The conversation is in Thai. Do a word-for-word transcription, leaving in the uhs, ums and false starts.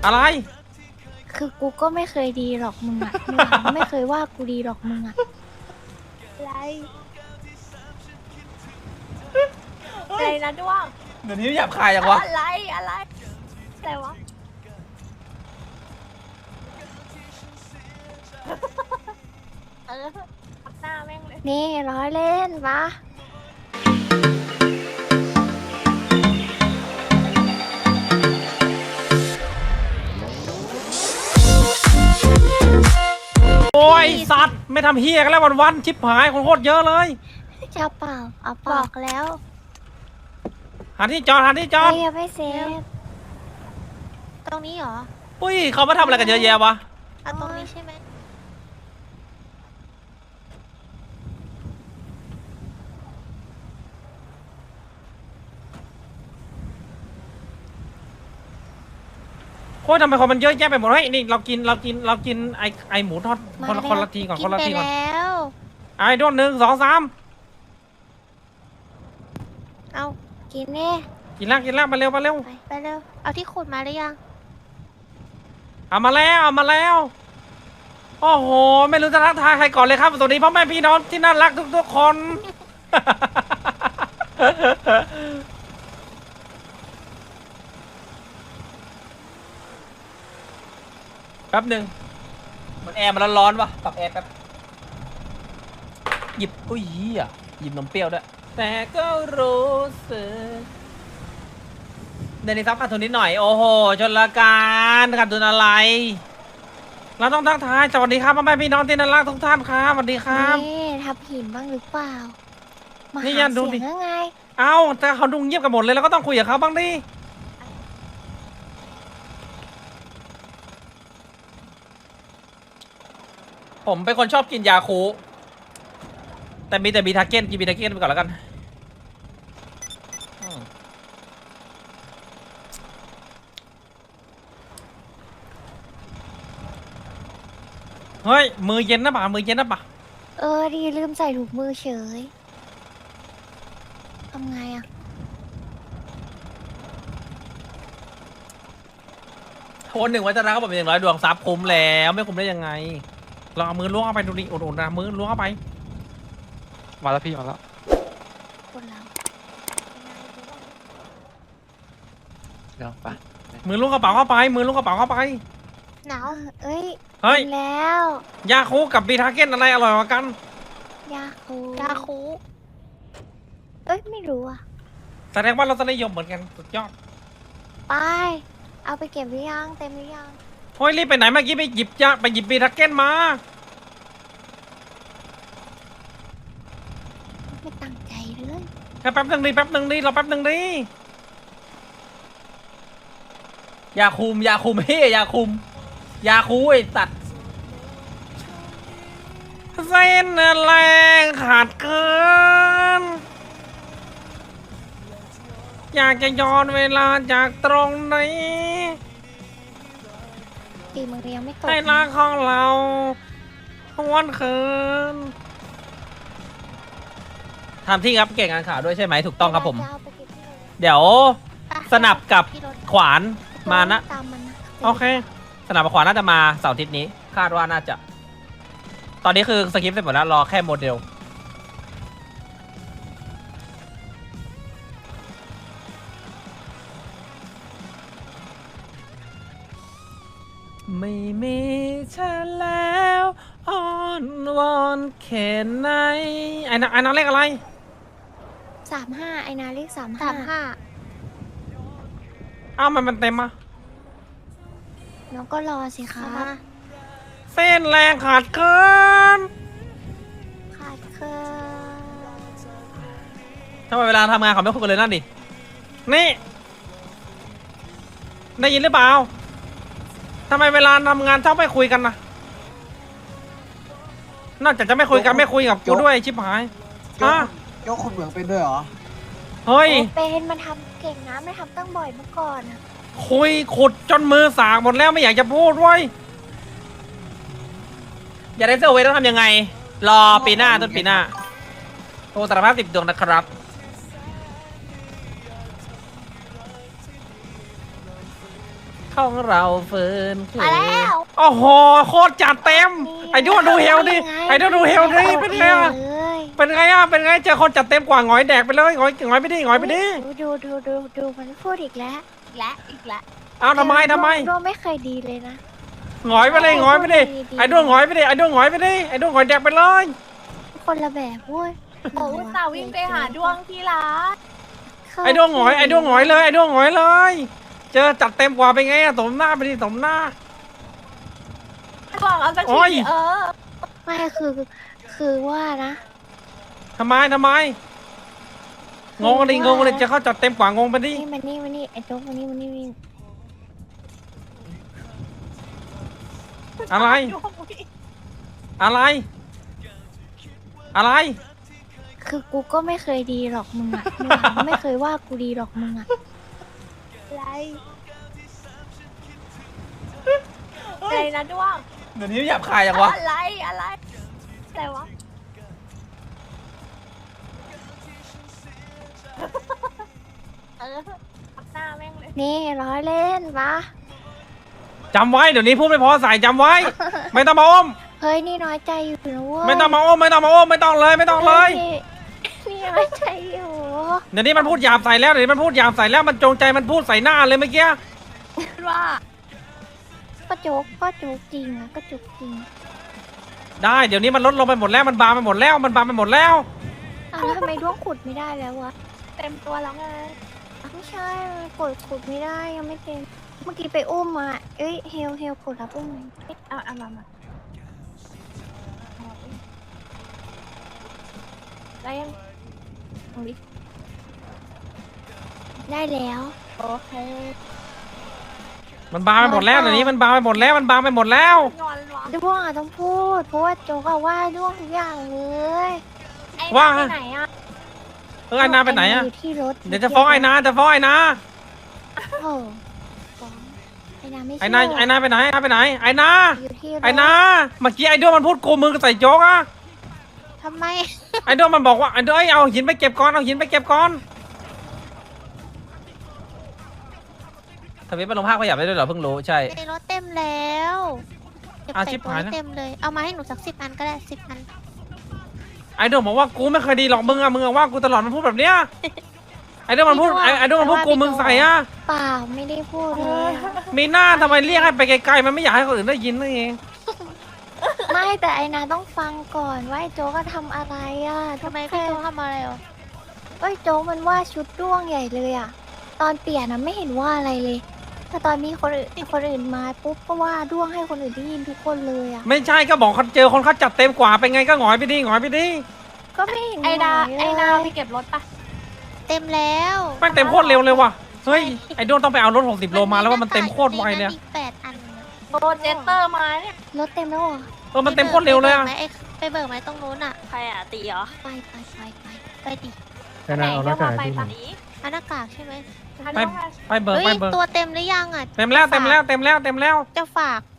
อะไรคือกูก็ไม่เคยดีหรอกมึงอะมึงอะไม่เคยว่ากูดีหรอกมึงอะอะไรอะไรนะด้วงเดี๋ยวนี้หยาบคายจังวะอะไรอะไรอะไรวะเออทับหน้าแม่งเลยนี่ร้อยเล่นปะโอ้ยสัตว์ไม่ทำเฮียกันแล้ววันๆชิบหายคนโคตรเยอะเลยจะเปล่าเอาบอกแล้วหาที่จอดหาที่จอดไม่ยังไม่เซฟตรงนี้เหรออุ้ยเขามาทำอะไรกันเยอะแยะวะเอาตรงนี้ใช่ไหมโอ้ยทำไมคนมันเยอะแยะไปหมดเฮ้ยนี่เรากินเรากินเรากินไอไอหมูทอดคนละคนละทีก่อนคนละทีก่อนแล้วไอ้ด้วนหนึ่งสองสามเอากินเนี่ยกินแล้วกินแล้วมาเร็วมาเร็วไปไปเร็วเอาที่ขุดมาหรือยังเอามาแล้วเอามาแล้วโอ้โหไม่รู้จะทักทายใครก่อนเลยครับสวัสดีพ่อแม่พี่น้องที่น่ารักทุกๆคน แป๊บหนึ่งมันแอร์มันร้อนๆวะปรับแอร์แป๊บหยิบอุ้ยเหี้ยหยิบนมเปรี้ยวด้วยแต่ก็รู้สึกเดี๋ยวนี้ซับขาดทุนนิดหน่อยโอ้โหชนละการขาดทุนอะไรเราต้องทักทายสวัสดีครับพ่อแม่พี่น้องที่น่ารักทุกท่านครับสวัสดีครับนี่ทับหินบ้างหรือเปล่ามานี่หายันดูดิเสียงยังไงเอ้าแต่เขาดูเงียบกันหมดเลยเราก็ต้องคุยกับเขาบ้างดิผมเป็นคนชอบกินยาคูแต่มีแต่บีทาเก้นกินบีทาเก้นไปก่อนแล้วกันอืมเฮ้ยมือเย็นนะป่ะมือเย็นนะป่ะเออดีลืมใส่ถุงมือเฉยทำไงอะโคนหนึ่งวัฒนะเขาบอกเป็นอย่างร้อยดวงซับคุ้มแล้วไม่คุ้มได้ยังไงลองเอามือล้วงเข้าไปดูดิอุ่นๆนะมือล้วงเข้าไปมาแล้วพี่มาแล้วคนเราเดี๋ยวไปมือล้วงกระเป๋าเข้าไปมือล้วงกระเป๋าเข้าไปหนาวเอ้ยเฮ้ยกินแล้วยาคูกับบีทาเก้นอะไรอร่อยกว่ากันยาคูยาคูเอ้ยไม่รู้อะแสดงว่าเราจะนิยมเหมือนกันสุดยอดไปเอาไปเก็บหรือยังเต็มหรือยังเฮ้ยรีบไปไหนเมื่อกี้ไปหยิบยาไปหยิบบีทาเก้นมาไม่ตั้งใจเลยแค่แป๊บหนึ่งดิแป๊บหนึ่งดิเราแป๊บหนึ่งดิยาคุมยาคุมเฮ้ยยาคุมยาคูไอ้ตัดเส้นแรงขาดเกินอยากจะย้อนเวลาจากตรงนี้ตีมือยังไม่ตกให้รักของเราหวนคืนทำที่ครับเก่งงานข่าวด้วยใช่ไหมถูกต้องครับผมจะเอาไปเก็บที่รถเดี๋ยวไปสนับกับที่รถขวานมานะตามมันนะโอเค สนับกับขวานน่าจะมาเสาร์อาทิตย์นี้ คาดว่าน่าจะ ตอนนี้คือสคริปต์เสร็จหมดแล้ว รอแค่โมเดล ไม่มีเธอแล้วอ้อนวอนแค่ไหนไอ้น้องไอ้น้องเลขอะไรสามห้าไอนาเลขสามห้าสามห้าอ้าวมันมันเต็มอ่ะน้องก็รอสิคะเส้นแรงขาดเกินขาดเคินทำไมเวลาทำงานเขาไม่คุยกันเลยนั่นดิ นี่ ได้ยินหรือเปล่าทำไมเวลาทำงานชอบไม่คุยกันนะนอกจากจะไม่คุยกันไม่คุยกับกูด้วยชิบหายยฮะกยกคนเหมืองเป็นด้วยเหรอเฮ้ยโอ้เป็นมันทำเก่งนะไม่ทำตั้งบ่อยเมื่อก่อนอะคุยขุดจนมือสากหมดแล้วไม่อยากจะพูดเว้ยอยากได้เซอร์เวย์ต้องทำยังไง รอปีหน้าต้นปีหน้าโอ้สารภาพสิบดวงนะครับของเราเฟิร์นมาแล้วโอ้โหโคตรจัดเต็มไอ้ด้วนดูเฮลดิไอ้ด้วนดูเฮลดิเป็นไงอะเลยเป็นไงอะเป็นไงเจอคนจัดเต็มกว่าหงอยแดกไปเลยหงอยหงอยไปดิหงอยไปดิดูดูดูดูมันพูดอีกแล้วอีกแล้วอีกแล้วเอาทำไมทำไมโดไม่เคยดีเลยนะหงอยไปเลยหงอยไปดิไอ้ด้วนหงอยไปดิไอ้ด้วนหงอยไปดิไอ้ด้วนหงอยแดกไปเลยคนละแบบเว้ยโอ้อุตส่าห์วิ่งไปหาดวงที่ร้านไอ้ด้วนหงอยไอ้ด้วนหงอยเลยไอ้ด้วนหงอยเลย เจอจัดเต็มกว่าเป็นไงอะสมหน้าไปดิสมหน้าบอกเอาสักโอ้ยทีเออไม่คือคือว่านะทำไมทำไมงงเลยงงเลยจะเข้าจัดเต็มกว่างงไปดินี่มันนี่มันนี่ไอ้โจ๊กมันนี่มันนี่มันนี่อะไร อะไร อะไรคือกูก็ไม่เคยดีหรอกมึงอะมึงอะไม่เคยว่ากูดีหรอกมึงอะอะไรอะไรนะดวงเดี๋ยวนี้หยาบคายจังวะอะไรอะไรอะไรวะเออปักหน้าแม่งเลยนี่ร้อยเล่นปะจำไว้เดี๋ยวนี้พูดไม่พอใส่จำไว้ ไม่ต้องมาอ้อมเฮ้ยนี่น้อยใจอยู่นะเว้ยไม่ต้องมาอ้อมไม่ต้องมาอ้อมไม่ต้องเลยไม่ต้องเลยนี่นี่น้อยใจอยู่เดี๋ยวนี้มันพูดหยาบใส่แล้วเดี๋ยวนี้มันพูดหยาบใส่แล้วมันจงใจมันพูดใส่หน้าเลยเมื่อกี้ว่าก็โจ๊กก็โจ๊กจริงอะก็โจ๊กจริงได้เดี๋ยวนี้มันลดลงไปหมดแล้วมันบางไปหมดแล้วมันบางไปหมดแล้วอ้าวแล้วทำไมด้วงขุดไม่ได้แล้ววะเต็มตัวแล้วไงไม่ใช่มันกดขุดไม่ได้ยังไม่เต็มเมื่อกี้ไปอุ้มมาเอ้ยเฮลเฮลกดรับอุ้มไหมเอาเอามามาได้ยังตรงนี้ได้แล้วโอเคมันบางไปหมดแล้วเดี๋ยวนี้มันบางไปหมดแล้วมันบางไปหมดแล้วงอนวะด้วงอะต้องพูดเพราะว่าโจ๊กอะว่าด้วงทุกอย่างเลยไอ้ว่าไปไหนอ่ะเออไอ้นาไปไหนอะอยู่ที่รถเดี๋ยวจะฟ้องไอ้นาจะฟ้องไอ้นาโอ้ฟ้องไอ้นาไม่ไอ้เชื่นาไอ้นาไปไหนไอ้นาไปไหนไอ้นาอยู่ที่รถไอ้นาเมื่อกี้ไอ้ด้วงมันพูดโกงมือใส่โจ๊กอะทำไมไอ้ด้วงมันบอกว่าไอ้ด้วงเอาหินไปเก็บก่อนเอาหินไปเก็บก่อนทวิตไปลงภาคขยับได้ด้วยเหรอเพิ่งรู้ใช่ในรถเต็มแล้วเก็บอาใส่ชิบตัวหายให้แล้วเต็มเลย เอามาให้หนูสักสิบอันก็ได้สิบอันไอ้ด้วงบอกว่ากูไม่เคยดีหรอกมึงอะมึงอะว่ากูตลอดมันพูดแบบเนี้ยไอ้ด้วงมันพูดไอ้ไอ้ด้วงมันพูดโกูมึงใส่อะเปล่าไม่ได้พูดเลยอะมีหน้าทำไมเรียกให้ไปไกลๆมันไม่อยากให้คนอื่นได้ยินนั่นเองไม่แต่ไอ้นาต้องฟังก่อนว่าไอ้โจ๊กก็ทำอะไรอ่ะทำไมพี่โตทำอะไรอ่ะเอ้ยโจ๊กมันว่าชุดด้วงใหญ่เลยอ่ะ ตอนเปลี่ยนนะไม่เห็นว่าอะไรเลย แต่ตอนมีคนอื่นคนอื่นมาปุ๊บก็ว่าด้วงให้คนอื่นได้ยินทุกคนเลยอ่ะไม่ใช่ก็บอกเขาเจอคนเขาจัดเต็มกว่าเป็นไงก็หงอยไปดิหงอยไปดิก็ไม่เห็นไอ้ดาหวเลยไอ้นาไปเก็บรถปะเต็มแล้วแม่งเต็มโคตรเร็วเลยว่ะเฮ้ยไอ้ด้วงต้องไปเอารถหกสิบโลมาแล้วว่ามันเต็มโคตรไวเลยมีแปดอันนะโดนเจสเตอร์มาเนี่ยรถเต็มแล้วเหรอเออมันเต็มโคตรเร็วเลยอะไปบิกไหมไอ้ไปเบิกไหมตรงนู้นอ่ะใครอ่ะตีเหรอไปไปไปไปไปดิไหนเรียกว่าไปฝั่งนี้อันหน้ากากใช่ไหมทันไปแล้วไงไปเบิร์เฮ้ยไปเบิร์ตัวเต็มหรือยังอ่ะเต็มแล้วเต็มแล้วเต็มแล้วเต็มแล้วจะฝาก